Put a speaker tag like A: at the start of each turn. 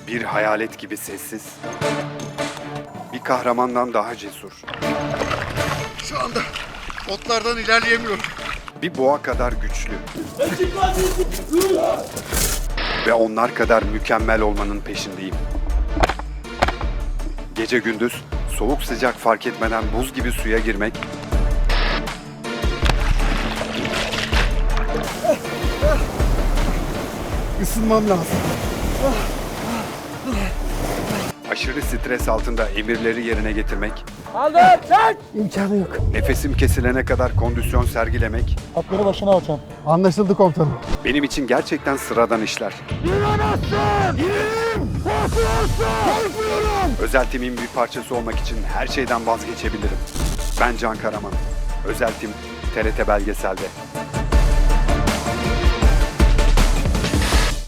A: Bir hayalet gibi sessiz. Bir kahramandan daha cesur.
B: Şu anda otlardan ilerleyemiyorum.
A: Bir boğa kadar güçlü. Ve onlar kadar mükemmel olmanın peşindeyim. Gece gündüz soğuk sıcak fark etmeden buz gibi suya girmek,
B: Isınmam lazım.
A: aşırı stres altında emirleri yerine getirmek,
B: İmkanı yok.
A: nefesim kesilene kadar kondisyon sergilemek
C: Atları başına alacağım.
B: Anlaşıldı komutanım.
A: benim için gerçekten sıradan işler. Özel timin bir parçası olmak için her şeyden vazgeçebilirim. Ben Can Karaman. Özel tim TRT Belgesel'de.